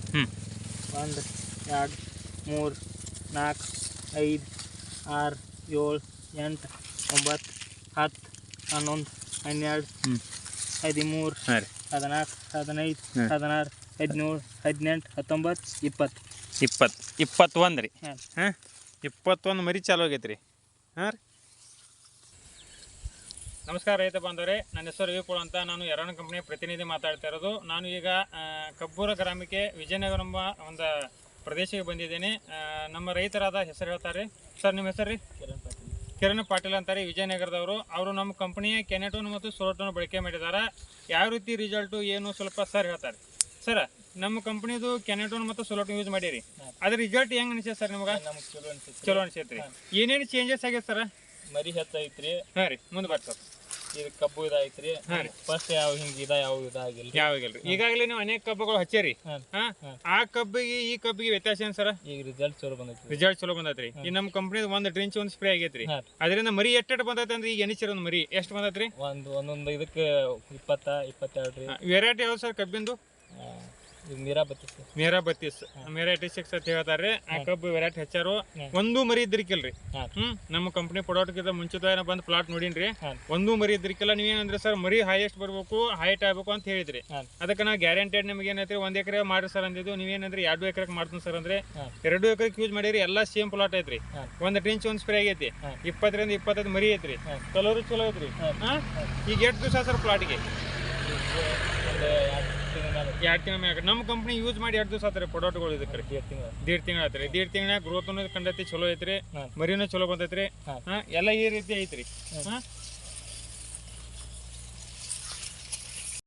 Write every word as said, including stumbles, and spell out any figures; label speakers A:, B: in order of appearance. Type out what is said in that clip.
A: ಹ್ಞೂ
B: ಒಂದು ಎರಡು ಮೂರು ನಾಲ್ಕು ಐದು ಆರು ಏಳು ಎಂಟು ಒಂಬತ್ತು ಹತ್ತು ಹನ್ನೊಂದು ಹನ್ನೆರಡು
A: ಹ್ಞೂ
B: ಹದಿಮೂರು
A: ಹಾಂ ರೀ
B: ಹದಿನಾಲ್ಕು ಹದಿನೈದು ಹದಿನಾರು ಹದಿನೇಳು ಹದಿನೆಂಟು ಹತ್ತೊಂಬತ್ತು ಇಪ್ಪತ್ತು
A: ಇಪ್ಪತ್ತು ಇಪ್ಪತ್ತೊಂದು ರೀ
B: ಹಾಂ
A: ಹಾಂ ಇಪ್ಪತ್ತೊಂದು ಮರಿ ಚಾಲು ಆಗೈತೆ ರೀ ಹಾಂ ರೀ ನಮಸ್ಕಾರ ರೈತ ಬಾಂಧವರೇ, ನನ್ನ ಹೆಸರು ವಿಪುಲ್ ಅಂತ. ನಾನು ಯರಣ ಕಂಪ್ನಿಯ ಪ್ರತಿನಿಧಿ ಮಾತಾಡ್ತಾ ಇರೋದು. ನಾನು ಈಗ ಕಬ್ಬೂರ ಗ್ರಾಮಕ್ಕೆ ವಿಜಯನಗರ ಎಂಬ ಒಂದು ಪ್ರದೇಶಕ್ಕೆ ಬಂದಿದ್ದೇನೆ. ನಮ್ಮ ರೈತರಾದ ಹೆಸರು ಹೇಳ್ತಾರೆ. ಸರ್ ನಿಮ್ಮ ಹೆಸರು ರೀ?
B: ಕಿರಣ್ ಪಾಟೀಲ್.
A: ಕಿರಣ್ ಪಾಟೀಲ್ ಅಂತಾರೆ, ವಿಜಯನಗರದವರು. ಅವರು ನಮ್ಮ ಕಂಪ್ನಿಯ ಕೆನೆಟೋನ್ ಮತ್ತು ಸೋಲೋಟೋನ್ ಬಳಕೆ ಮಾಡಿದ್ದಾರೆ. ಯಾವ ರೀತಿ ರಿಸಲ್ಟು ಏನು ಸ್ವಲ್ಪ ಸರ್ ಹೇಳ್ತಾರೆ. ಸರ್, ನಮ್ಮ ಕಂಪ್ನಿದು ಕೆನೆಟೋನ್ ಮತ್ತು ಸೋಲೋಟೋನ್ ಯೂಸ್ ಮಾಡಿರಿ, ಅದ್ರ ರಿಸಲ್ಟ್ ಹೆಂಗೆ ಅನಿಸ್ತೈತೆ ಸರ್ ನಿಮ್ಗೆ?
B: ನಮ್ಗೆ ಚಲೋ ಅನ್ಸುತ್ತೆ.
A: ಚಲೋ ಅನಿಸೈತೆ ರೀ. ಏನೇನು ಚೇಂಜಸ್ ಆಗೈತೆ ಸರ್?
B: ಮರಿ ಹೆಚ್ಚೈತ್ರಿ.
A: ಹಾಂ ರೀ, ಮುಂದೆ ಬರ್ರಿ ಸರ್.
B: ಇದು ಕಬ್ಬು ಇದಾಯ್ತ್ರಿ.
A: ಹಾಂ ರೀ.
B: ಫಸ್ಟ್ ಯಾವ ಹಿಂಗೆ ಇದ ಯಾವ ಇದಾಗಿಲ್ಲ
A: ಯಾವಾಗಲ್ರಿ. ಈಗಾಗಲೇ ನೀವು ಅನೇಕ ಕಬ್ಬುಗಳು ಹಚ್ಚೇರಿ. ಹಾಂ, ಆ ಕಬ್ಬಿಗೆ ಈ ಕಬ್ಬಿಗೆ ವ್ಯತ್ಯಾಸ ಏನು ಸರ್?
B: ಈಗ ರಿಸಲ್ಟ್ ಚಲೋ ಬಂದೈತಿ.
A: ರಿಸಲ್ಟ್ ಚಲೋ ಬಂದೈತ್ರಿ. ಈ ನಮ್ಮ ಕಂಪ್ನಿದ ಒಂದು ಡ್ರಿಂಚ್ ಒಂದು ಸ್ಪ್ರೇ ಆಗೈತ್ರಿ. ಅದರಿಂದ ಮರಿ ಎಷ್ಟು ಬಂದೈತೆ ಅಂದ್ರೆ ಈಗ ಎನಿಸಿರ ಒಂದು ಮರಿ ಎಷ್ಟು ಬಂದೈತ್ರಿ?
B: ಒಂದು ಒಂದೊಂದು ಇದಕ್ಕೆ ಇಪ್ಪತ್ತ ಇಪ್ಪತ್ತೆರಡು ರೀ.
A: ವೆರೈಟಿ ಯಾವ್ದು ಸರ್ ಕಬ್ಬಿಂದು?
B: ಇದು ಮೀರಾ ಬತ್ತೀಸ್.
A: ಮೇರಾ ಬತ್ತೀಸ್ ಮೇರಾ ಏಟಿ ಸಿಕ್ಸ್ ಅಂತ ಹೇಳ್ತಾರೆ. ಆ ಕಬ್ಬು ವೆರೈಟಿ ಹೆಚ್ಚಾರು ಒಂದು ಮರಿ ಇದ್ರಿಕಿಲ್ರಿ. ಹ್ಮ್ ನಮ್ಮ ಕಂಪ್ನಿ ಪ್ರಾಡಕ್ಟ್ ಮುಂಚಿತವಾಗಿ ಬಂದು ಪ್ಲಾಟ್ ನೋಡಿನ್ರಿ. ಒಂದು ಮರಿ ಇದ್ರಿಕಿಲ್ಲ. ನೀವೇನಂದ್ರೆ ಸರ್ ಮರಿ ಹೈಯೆಸ್ಟ್ ಬರ್ಬೇಕು, ಹೈಟ್ ಆಗ್ಬೇಕು ಅಂತ ಹೇಳಿದ್ರಿ. ಅದಕ್ಕೆ ನಾವು ಗ್ಯಾರಂಟೆಡ್ ನಿಮ್ಗೆ ಏನೈತ್ರಿ ಒಂದ್ ಎಕರೆ ಮಾಡ್ರಿ ಸರ್ ಅಂದಿದ್ದು. ನೀವೇನಂದ್ರೆ ಎರಡು ಎಕರೆಗೆ ಮಾಡ್ತೀನಿ ಸರ್ ಅಂದ್ರೆ ಎರಡು ಎಕರೆಗೆ ಯೂಸ್ ಮಾಡಿರಿ. ಎಲ್ಲಾ ಸೇಮ್ ಪ್ಲಾಟ್ ಐತ್ರಿ. ಒಂದ್ ಡ್ರಿಂಚ್ ಒಂದ್ ಸ್ಪ್ರೇ ಆಗೈತಿ. ಇಪ್ಪತ್ತರಿಂದ ಇಪ್ಪತ್ತೈದು ಮರಿ ಐತ್ರಿ. ಕಲರು ಚಲೋ ಐತ್ರಿ. ಈಗ ಎಷ್ಟು ದಿವಸ ಸರ್ ಪ್ಲಾಟ್ಗೆ? ಎರಡು ತಿಂಗಳ ಮ್ಯಾಗ ನಮ್ಮ ಕಂಪ್ನಿ ಯೂಸ್ ಮಾಡಿ ಎರಡು ದಿವಸ ಆತ್ರಿ ಪ್ರಾಡಕ್ಟ್ಗಳು. ಇದಕ್ಕೆ ದೀಡ್ ತಿಂಗಳ ಆತ್ರಿ. ದೀಡ್ ತಿಂಗಳ ಗ್ರೋತ್ ಕಂಡೈತಿ, ಚಲೋ ಐತ್ರಿ. ಮರಿನೂ ಚಲೋ ಬಂದೈತ್ರಿ. ಹಾ, ಎಲ್ಲ ಈ ರೀತಿ ಐತ್ರಿ. ಹಾ,